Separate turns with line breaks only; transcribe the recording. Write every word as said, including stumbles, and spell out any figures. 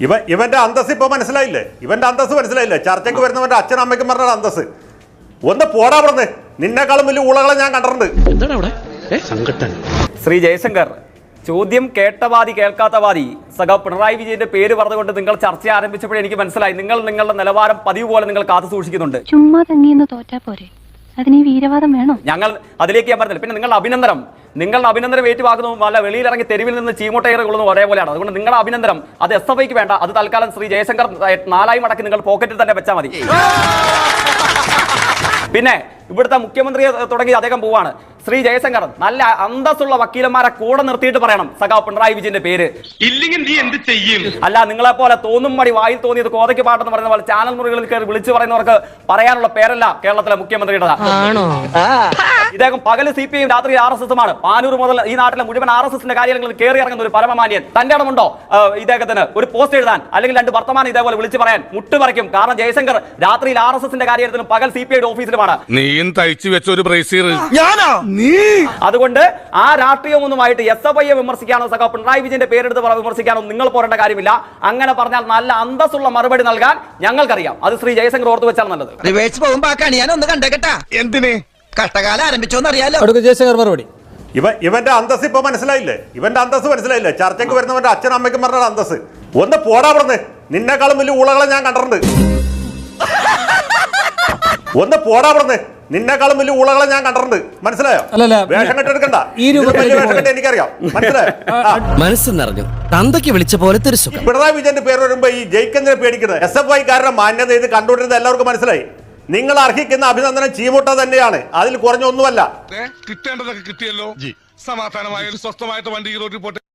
ഇവ ഇവന്റെ അന്തസ് ഇപ്പൊ മനസ്സിലായില്ലേ? ഇവന്റെ അന്തസ് മനസ്സിലായില്ലേ? ചർച്ചയ്ക്ക് വരുന്നവന്റെ അച്ഛനും അമ്മയ്ക്കും പറഞ്ഞ അന്തസ്. ഒന്ന് പോടാ പറഞ്ഞ്, നിന്നെക്കാളും വലിയ ഊളകളെ ഞാൻ കണ്ടിട്ടുണ്ട്.
ശ്രീ ജയശങ്കർ, ചോദ്യം കേട്ടവാദി കേൾക്കാത്തവാദി സഖാവ് പിണറായി വിജയന്റെ പേര് പറഞ്ഞുകൊണ്ട് നിങ്ങൾ ചർച്ച ആരംഭിച്ചപ്പോഴേ എനിക്ക് മനസ്സിലായി നിങ്ങൾ നിങ്ങളുടെ നിലവാരം പതിവ് പോലെ നിങ്ങൾ കാത്തു സൂക്ഷിക്കുന്നുണ്ട്.
ചുമ്മാ തങ്ങിയെന്ന് തോറ്റാ പോരെ, അതിന് വീരവാദം വേണോ?
ഞങ്ങൾ അതിലേക്ക് ഞാൻ പറഞ്ഞില്ല. പിന്നെ നിങ്ങളുടെ അഭിനന്ദനം നിങ്ങളുടെ അഭിനന്ദനം ഏറ്റുവാക്കുന്നതും അല്ല വെളിയിലിറങ്ങി തെരുവിൽ നിന്ന് ചീമോട്ടയർ കൊള്ളുന്നതും ഒരേപോലെയാണ്. അതുകൊണ്ട് നിങ്ങളുടെ അഭിനന്ദനം അത് എസ് എഫ് ഐക്ക് വേണ്ട, അത് തൽക്കാലം ശ്രീ ജയശങ്കർ നാലായി മടക്കി നിങ്ങൾ പോക്കറ്റിൽ തന്നെ വെച്ചാൽ മതി. പിന്നെ ഇവിടുത്തെ മുഖ്യമന്ത്രിയെ തുടങ്ങി അദ്ദേഹം പോവാണ്. ശ്രീ ജയശങ്കർ, നല്ല അന്തസ്സുള്ള വക്കീലന്മാരെ കൂടെ നിർത്തിയിട്ട് പറയണം സഖാവ് പിണറായി വിജയന്റെ പേര്.
ഇല്ലെങ്കിൽ നീ എന്ത് ചെയ്യും?
അല്ല, നിങ്ങളെ പോലെ തോന്നും മടി വായിൽ തോന്നിയത് കോതയ്ക്ക് പാട്ടെന്ന് പറയുന്ന പോലെ ചാനൽ മുറികളിൽ കയറി വിളിച്ചു പറയുന്നവർക്ക് പറയാനുള്ള പേരല്ല കേരളത്തിലെ മുഖ്യമന്ത്രിയുടെ. ഇദ്ദേഹം പകല് സി പി ഐ രാത്രി ആർ എസ് എസുമാണ്. പാനൂർ മുതൽ ഈ നാട്ടിലെ മുഴുവൻ ആർ എസ് എസിന്റെ കാര്യങ്ങളിൽ കയറി ഇറങ്ങുന്ന ഒരു പരമമാന്യൻ. തന്റെ ഇടമുണ്ടോ ഇദ്ദേഹത്തിന് ഒരു പോസ്റ്റ് എഴുതാൻ അല്ലെങ്കിൽ രണ്ട് വർത്തമാനം ഇതേപോലെ വിളിച്ചു പറയാൻ? മുട്ടുപറിക്കും. കാരണം ജയശങ്കർ രാത്രിയിൽ ആർ എസ് എസിന്റെ കാര്യത്തിലും പകൽ സി പി ഐയുടെ ഓഫീസിലുമാണ്.
നീയും തയ്ച്ചു വെച്ച ഒരു ബ്രേസീർ.
അതുകൊണ്ട് ആ രാഷ്ട്രീയമൊന്നുമായിട്ട് എസ് എഫ് ഐയെ വിമർശിക്കാനോ സഖാവ് പിണറായി വിജയന്റെ പേരെടുത്ത് വിമർശിക്കാനോ നിങ്ങൾ പോരേണ്ട കാര്യമില്ല. അങ്ങനെ പറഞ്ഞാൽ നല്ല അന്തസ്സുള്ള മറുപടി നൽകാൻ ഞങ്ങൾക്കറിയാം. അത് ശ്രീ ജയശങ്കർ ഓർത്തു വെച്ചാൽ നല്ലത്.
എന്തിനെ
കഷ്ടകാലം ആരംഭിച്ചോന്നറിയാലോ.
ജയശങ്കർ മറുപടി.
ഇവ ഇവന്റെ അന്തസ് ഇപ്പൊ മനസ്സിലായില്ലേ? ഇവന്റെ അന്തസ് മനസ്സിലായില്ലേ? ചർച്ചയ്ക്ക് വരുന്നവന്റെ അച്ഛനും അമ്മയ്ക്കും പറഞ്ഞ അന്തസ്. ഒന്ന് പോടാ പറഞ്ഞ്, നിന്നെക്കാളും വലിയ ഊളകളെ ഞാൻ കണ്ടിട്ടുണ്ട്. ഒന്ന് പോടാ പറഞ്ഞ്, നിന്നെക്കാളും വലിയ ഊളകളെ ഞാൻ കണ്ടിട്ടുണ്ട്. മനസ്സിലായോ? വേഷം കെട്ടെടുക്കണ്ട. എനിക്കറിയാം. മനസ്സിലായോ?
മനസ്സ് നിറഞ്ഞു തന്തയ്ക്ക് വിളിച്ച പോലത്തെ ഒരു സുഖം.
പിണറായി വിജയന്റെ പേര് വരുമ്പോ ഈ ജയിക്കുന്നതിനെ പേടിക്കുന്നത് എസ് എഫ് ഐക്കാരുടെ മാന്യത ഇത് കണ്ടുകൊണ്ടിരുന്നത് എല്ലാവർക്കും മനസ്സിലായി. നിങ്ങൾ അർഹിക്കുന്ന അഭിനന്ദനം ചീമുട്ട തന്നെയാണ്, അതിൽ കുറഞ്ഞൊന്നുമല്ല.
കിട്ടേണ്ടതൊക്കെ കിട്ടിയല്ലോ. സമാധാനമായ ഒരു സ്വസ്ഥമായിട്ട് വണ്ടി റോഡിൽ പോട്ടെ.